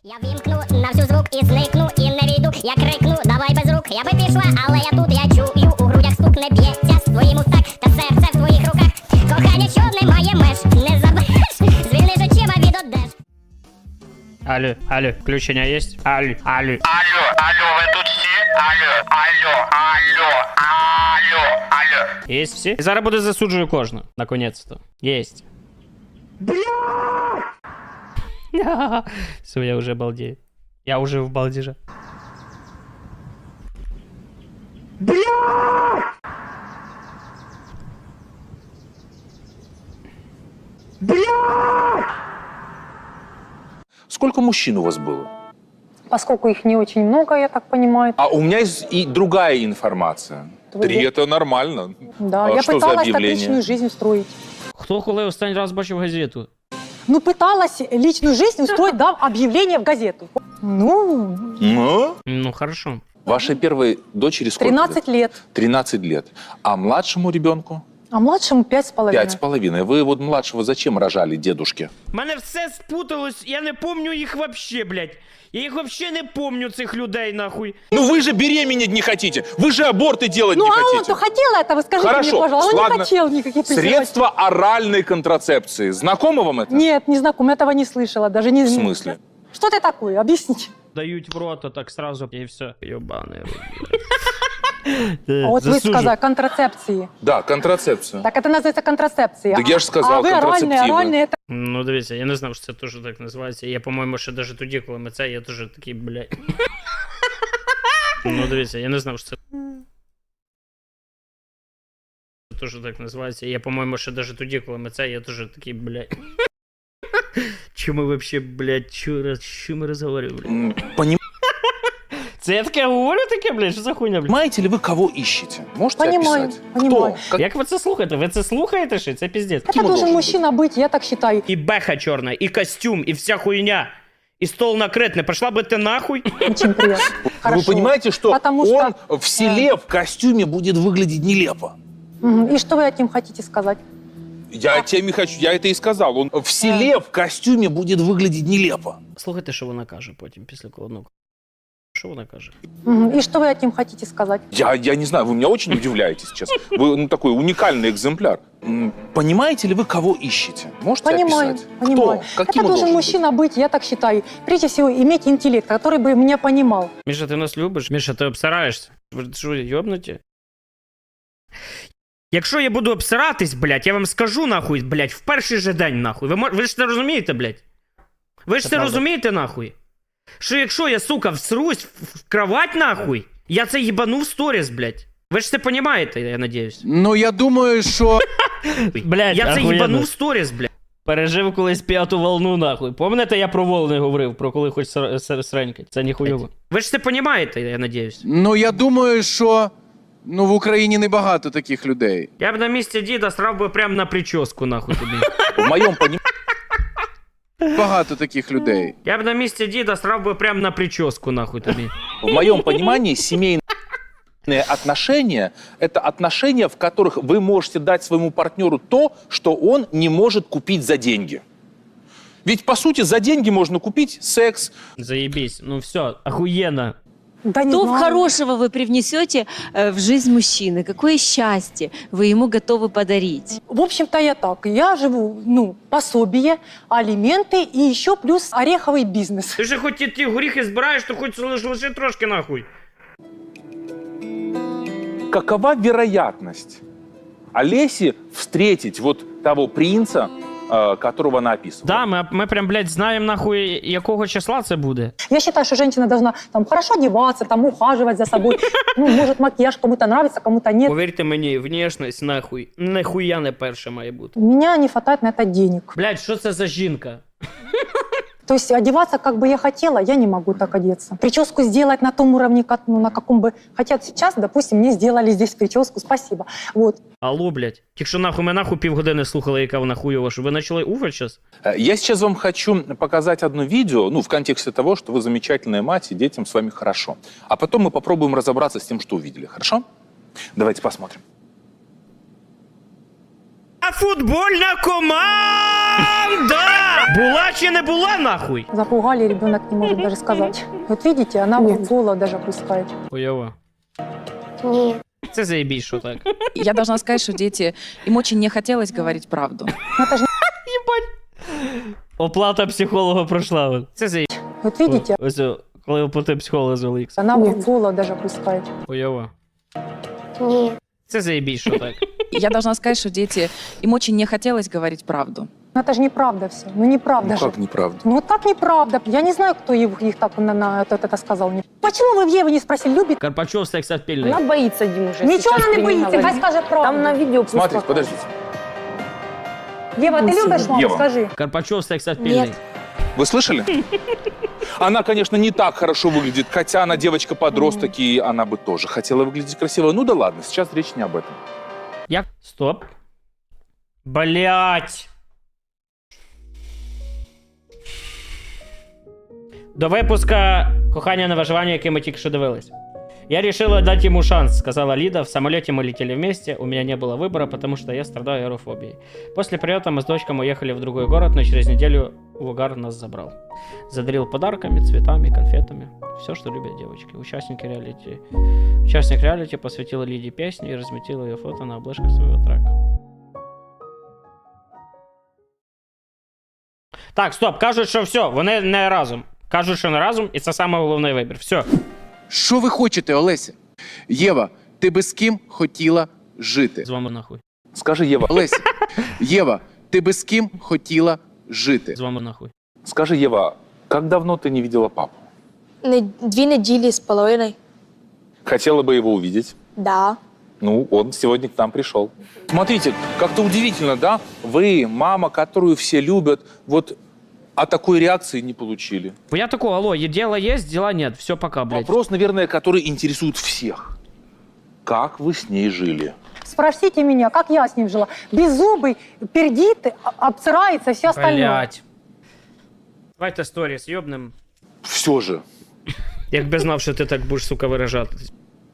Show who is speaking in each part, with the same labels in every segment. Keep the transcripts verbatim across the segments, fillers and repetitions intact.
Speaker 1: Я вімкну на всю звук і зникну, і не війду. Я крикну, давай без рук, я би пішла, але я тут, я чую, у грудях стук не б'ється з твоїм устак, та серце в твоїх руках. Кохання, що немає меж, не забереш, звільниш очима від одеж.
Speaker 2: Алло, алло, включення є? Алло, алло.
Speaker 3: Алло, алло, ви тут всі? Алло, алло, алло, алло, алло.
Speaker 2: Є всі? І зараз буде засуджую кожну, наконець-то. Єсть. Все, я уже балдею. Я уже в балдеже.
Speaker 4: Сколько мужчин у вас было?
Speaker 5: Поскольку их не очень много, я так понимаю.
Speaker 4: А у меня есть и другая информация.
Speaker 5: Твои-
Speaker 4: Три – это нормально.
Speaker 5: Да,
Speaker 4: А
Speaker 5: я
Speaker 4: что за
Speaker 5: пыталась так
Speaker 4: объявление?
Speaker 5: личную жизнь устроить.
Speaker 2: Хто коли останній раз бачив газету?
Speaker 5: Ну, пыталась личную жизнь устроить, дав объявление в газету. Ну,
Speaker 4: Ну?
Speaker 2: Ну, хорошо.
Speaker 4: Вашей первой дочери сколько?
Speaker 5: тринадцать лет.
Speaker 4: тринадцать лет. А младшему ребенку?
Speaker 5: А младшему пять с половиной.
Speaker 4: Пять с половиной. Вы вот младшего зачем рожали, дедушке?
Speaker 2: Мене все спуталось, я не помню їх вообще, блядь. Я їх вообще не помню, цих людей, нахуй.
Speaker 4: Ну вы же беременеть не хотите. Вы же аборты делать
Speaker 5: Ну,
Speaker 4: не
Speaker 5: а
Speaker 4: хотите.
Speaker 5: он-то хотел этого, скажите
Speaker 4: Хорошо,
Speaker 5: мне, пожалуйста. Он
Speaker 4: ладно.
Speaker 5: не хотел никаких презервативов.
Speaker 4: Средства оральной контрацепции. Знакомо вам это?
Speaker 5: Нет, не знаком, этого не слышала, даже не
Speaker 4: В
Speaker 5: знаю.
Speaker 4: смысле?
Speaker 5: Что ты такое? Объясните.
Speaker 2: Дають в рот, а так сразу, і все. Йобаний рот.
Speaker 5: А вот вы сказали, контрацепции.
Speaker 4: Да, контрацепция.
Speaker 5: Так это называется контрацепция.
Speaker 4: Так я же сказал,
Speaker 5: а вы оральные,
Speaker 4: контрацептивы.
Speaker 5: оральные, это...
Speaker 2: Ну, дивіться, я не знав, що це теж так називається. Я, по-моєму, ще навіть тоді, коли ми це, я теж такий, блядь. Ну, дивіться, я не знав, що це теж так називається. Я, по-моєму, ще навіть тоді, коли ми це, я теж такий, блядь. Чому ми вообще, блядь, що, що ми розговорюємо, блядь?
Speaker 4: М, поним-
Speaker 2: Це я таке говорю таке, блядь, що за хуйня, блядь?
Speaker 4: Понимаете ли вы, кого ищете? Можете
Speaker 5: Понимаю,
Speaker 4: описать?
Speaker 5: понимаю.
Speaker 4: Кто? Как-
Speaker 2: Як ви це слухаєте? Ви це слухаєте ще? Це піздець.
Speaker 5: Это
Speaker 4: Кем он
Speaker 5: должен
Speaker 4: должен
Speaker 5: мужчина быть, я так считаю.
Speaker 2: І беха чорна, і костюм, і вся хуйня. І стол накрит. Не пошла би ти нахуй?
Speaker 5: Очень приятно.
Speaker 4: Вы
Speaker 5: Хорошо.
Speaker 4: понимаете, что
Speaker 5: Потому
Speaker 4: он
Speaker 5: что-
Speaker 4: в селе в костюме будет выглядеть нелепо?
Speaker 5: Мгм. И что вы этим хотите сказать?
Speaker 4: Я тем и хочу, я это и сказал. Он в селе в костюме будет выглядеть нелепо.
Speaker 2: Слухайте, що вона каже потім, після колодного. Що вона каже?
Speaker 5: Мгм. И что вы этим хотите сказать?
Speaker 4: Я, я не знаю, вы меня очень удивляете сейчас. Вы ну, такой уникальный экземпляр. М, Понимаете ли вы, кого ищете? Можете
Speaker 5: Понимаю,
Speaker 4: описать?
Speaker 5: понимаю.
Speaker 4: Кто? Каким
Speaker 5: Это
Speaker 4: он
Speaker 5: должен
Speaker 4: быть?
Speaker 5: мужчина быть, я так считаю. Прежде всего, иметь интеллект, который бы меня понимал.
Speaker 2: Міша, ти нас любиш? Міша, ти обсираєшся? Ви що, йобнуті? Якщо я буду обсиратись, блядь, я вам скажу нахуй, блядь, в перший же день нахуй. Ви, мо- ви ж це розумієте, блядь? Ви ж Це це правда. розумієте нахуй? Що якщо я, сука, всрусь в, в кровать нахуй, я це їбану в сторіс, блядь. Ви ж це понімаєте, я надіюсь.
Speaker 6: Ну, я думаю, що...
Speaker 2: Блядь, я це їбану в сторіс, блядь. Пережив колись п'яту волну, нахуй. Пам'ятаєте, я про волни говорив, про коли хоч ср- ср- сренькать. Це ніхуйово. Ви ж це понімаєте, я надіюсь.
Speaker 6: Ну, я думаю, що... Ну, в Україні небагато таких людей.
Speaker 2: Я б на місці діда срав би прям на прическу, нахуй тобі.
Speaker 4: В моем понимании
Speaker 6: Багато таких людей.
Speaker 2: Я б на місці діда срав би прям на прическу, нахуй тобі.
Speaker 4: В моем понимании семейные отношения – это отношения, в которых вы можете дать своему партнеру то, что он не может купить за деньги. Ведь, по сути, за деньги можно купить секс.
Speaker 2: Заебись. Ну все, охуенно.
Speaker 5: Да не
Speaker 7: Что
Speaker 5: знаю.
Speaker 7: хорошего вы привнесете э, в жизнь мужчины? Какое счастье вы ему готовы подарить?
Speaker 5: В общем-то, я так. Я живу, ну, пособие, алименты и еще плюс ореховый бизнес.
Speaker 2: Ти ж хоч ті, ті горіхи збираєш, то хоч лиш, лише трошки нахуй.
Speaker 4: Какова вероятность Олеси встретить вот того принца, э, которого она описывала?
Speaker 2: Да, ми, ми прям, блядь, знаємо нахуй, якого числа це буде.
Speaker 5: Я считаю, что женщина должна там хорошо одеваться, там ухаживать за собой. Ну, может, макияж кому-то нравится, кому-то нет.
Speaker 2: Повірте мені, внешність нахуй, нахуя не перше має бути.
Speaker 5: У меня не хватает на это денег.
Speaker 2: Блядь, що це за жінка?
Speaker 5: То есть одеваться, как бы я хотела, я не могу так одеться. Прическу сделать на том уровне, как, ну, на каком бы хотят сейчас, допустим, мне сделали здесь прическу, спасибо. Вот.
Speaker 2: Алло, блядь. Якщо нахуй ми нахуй півгодини слухали, яка вона хуйова, що ви почали уфать зараз?
Speaker 4: Э, Я сейчас вам хочу показать одно видео, ну, в контексте того, что вы замечательная мать, и детям с вами хорошо. А потом мы попробуем разобраться с тем, что увидели, хорошо? Давайте посмотрим.
Speaker 2: А футбольна команда! Да! Була чи не була, нахуй?
Speaker 5: Запугали, ребенок не может даже сказать. Вот видите, она в голову даже пускает.
Speaker 2: Хуйово.
Speaker 1: Ні.
Speaker 2: Це заєбісь, що так.
Speaker 8: Я должна сказать, что дети, им очень не хотелось говорить правду.
Speaker 5: Ну, это же,
Speaker 2: Оплата психолога пройшла. от. Це заєбісь.
Speaker 5: вот видите,
Speaker 2: Ось, о, коли оплатив психолога за Олікс.
Speaker 5: она в голову даже пускает.
Speaker 2: Хуйово.
Speaker 1: Ні.
Speaker 2: Це заєбісь, що так.
Speaker 8: Я должна сказать, что дети, им очень не хотелось говорить правду.
Speaker 5: Ну это же неправда все. Ну неправда
Speaker 4: Ну
Speaker 5: же.
Speaker 4: как неправда?
Speaker 5: Ну вот как неправда? Я не знаю, кто их, их так на, на это, это сказал. Почему вы в Еве не спросили, любит?
Speaker 2: Карпачов сексапільний.
Speaker 9: Она боится, Дим, уже.
Speaker 5: Ничего
Speaker 9: сейчас
Speaker 5: она не
Speaker 9: при ней
Speaker 5: боится,
Speaker 9: говорить.
Speaker 5: хай скажет правду.
Speaker 9: Там на видео пусть
Speaker 4: Смотрите,
Speaker 9: покажет.
Speaker 4: подождите.
Speaker 5: Ева, ты любишь маму?
Speaker 4: Ева.
Speaker 5: Скажи.
Speaker 2: Карпачов сексапільний.
Speaker 1: Нет.
Speaker 4: Вы слышали? Она, конечно, не так хорошо выглядит, хотя она девочка-подросток, и она бы тоже хотела выглядеть красиво. Ну да ладно, сейчас речь не об этом.
Speaker 2: Як? Стоп. Блять. До випуска «Кохання на виживання», який ми тільки що дивились. Я решила дать ему шанс, сказала Лида. В самолете мы летели вместе, у меня не было выбора, потому что я страдаю аэрофобией. После прилета мы с дочкой уехали в другой город, но через неделю Угар нас забрал. Задарил подарками, цветами, конфетами. Все, что любят девочки. Участники реалити... Участник реалити посвятил Лиде песню и разместил ее фото на обложке своего трека. Так, стоп, кажуть, що все, вони не разом. Кажуть, що не разом, і це саме головний вибір. Все.
Speaker 6: Що ви хочете, Олеся? Єва, ти би з ким хотіла жити?
Speaker 2: З вами нахуй.
Speaker 4: Скажи, Ева,
Speaker 6: Олеся, Єва, ти би з ким хотіла жити?
Speaker 2: З вами нахуй.
Speaker 4: скажи, Ева, как давно ты не видела папу?
Speaker 10: Не, дві неділі з половиною.
Speaker 4: Хотела бы его увидеть.
Speaker 10: Да.
Speaker 4: Ну, он сегодня к нам пришел. Смотрите, как-то удивительно, да? Вы, мама, которую все любят, вот а такой реакции не получили.
Speaker 2: Бо я такого, алло, е- дело есть, дела нет, все, пока, блядь.
Speaker 4: Вопрос, наверное, который интересует всех. Как вы с ней жили?
Speaker 5: Спросите меня, как я с ним жила. Беззубый, пердит, а- обсирается, все остальное.
Speaker 2: Блядь. Давайте сторіс, йобнем.
Speaker 4: Все же.
Speaker 2: Якби знав, що ти так будеш, сука, виражатись.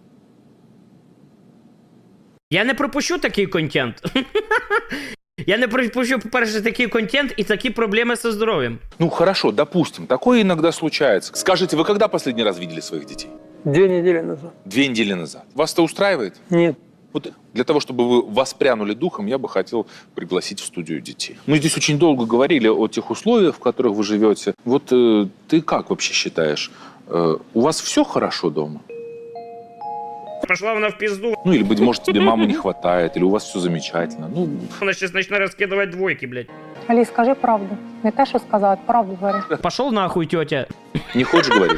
Speaker 2: Я не пропущу такий контент. Я не пропущу, по-перше, такий контент і такі проблеми зі здоров'ям.
Speaker 4: Ну, хорошо, допустим, такое иногда случается. Скажите, вы когда последний раз видели своих детей?
Speaker 11: Две недели назад.
Speaker 4: Две недели назад. Вас это устраивает?
Speaker 11: Нет.
Speaker 4: Вот для того, чтобы вы воспрянули духом, я бы хотел пригласить в студию детей. Мы здесь очень долго говорили о тех условиях, в которых вы живете. Вот э, ты как вообще считаешь, э, у вас все хорошо дома?
Speaker 2: Пошла вона в пизду.
Speaker 4: Ну, или, быть может, тебе мамы не хватает, или у вас все замечательно. Ну,
Speaker 2: Вона сейчас начне розкидувати двойки, блядь.
Speaker 5: Али, скажи правду. Не те, що сказала, а правду говори.
Speaker 2: Пошел нахуй, тетя.
Speaker 4: не хочешь говорить?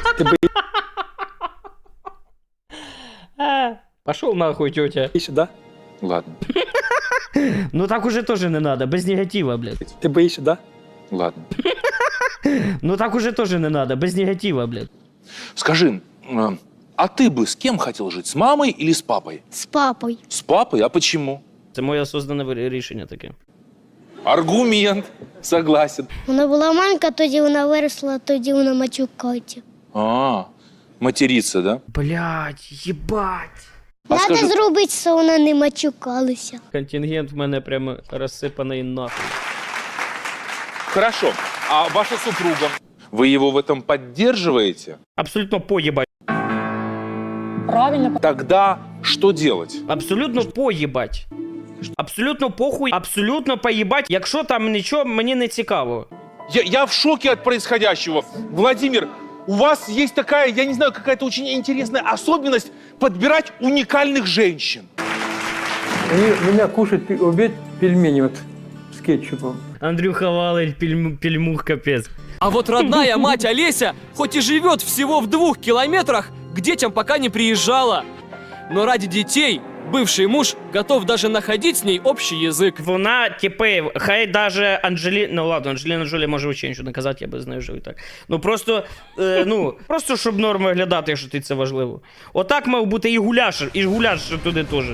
Speaker 2: Пошел нахуй, тетя.
Speaker 11: Боишься, да?
Speaker 4: Ладно,
Speaker 2: Ну так уже тоже не надо, без негатива, блядь.
Speaker 11: Ты боишься, да?
Speaker 4: ладно.
Speaker 2: Ну так уже тоже не надо, без негатива, блядь.
Speaker 4: Скажи, э, а ты бы с кем хотел жить, с мамой или с папой?
Speaker 1: З папою.
Speaker 4: С папой? А почему?
Speaker 2: Це моє осознане вир- рішення таке.
Speaker 4: Аргумент. Согласен.
Speaker 1: Вона була маленька, тоді вона виросла, тоді вона матюкається.
Speaker 4: А, материться, да?
Speaker 2: Блядь, єбать.
Speaker 4: А
Speaker 1: Надо
Speaker 4: скажи,
Speaker 1: зробити, щоб вона не матюкалася.
Speaker 2: Контингент в мене прямо розсипаний нахуй.
Speaker 4: хорошо, а ваша супруга, вы его в этом поддерживаете?
Speaker 2: Абсолютно поїбать.
Speaker 5: Правильно.
Speaker 4: Тогда что делать?
Speaker 2: Абсолютно поїбать. Абсолютно похуй, абсолютно поїбать. Якщо там нічого, мені не цікаво.
Speaker 4: Я, я в шоке от происходящего. Владимир, у вас есть такая, я не знаю, какая-то очень интересная особенность подбирать уникальных женщин.
Speaker 11: Они меня кушают, пи- обед пельмени вот с кетчупом.
Speaker 2: Андрюха валить пельму, пельмух, капець.
Speaker 12: А вот родная мать Олеся, хоть и живет всего в двух километрах, к детям пока не приезжала. Но ради детей бывший муж готов даже находить с ней общий язык.
Speaker 2: Вона, типи, хай даже Анджелі... Ну ладно, Анджеліна Джолі може взагалі нічого не казати, я би з нею жив і так. Ну просто, е, ну, просто щоб норм виглядати, якщо ти це важливо. Отак мав бути і гуляш, і гуляш туди теж.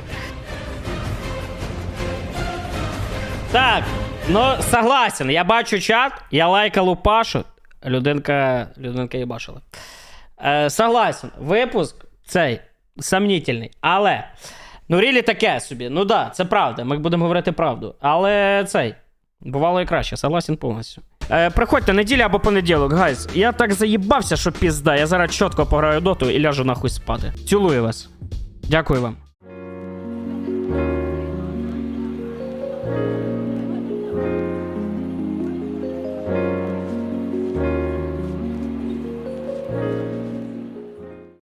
Speaker 2: Так, ну согласен, я бачу чат, я лайка Лупашу, людинка, людинка їбашила. Е, согласен, випуск цей сомнительний, але, ну рілі таке собі, ну да, це правда, ми будемо говорити правду, але цей, Бувало і краще, согласен повністю. Е, приходьте, неділя або понеділок, гайз. Я так заїбався, що пізда. Я зараз чітко пограю доту і ляжу нахуй спати. Цілую вас. Дякую вам.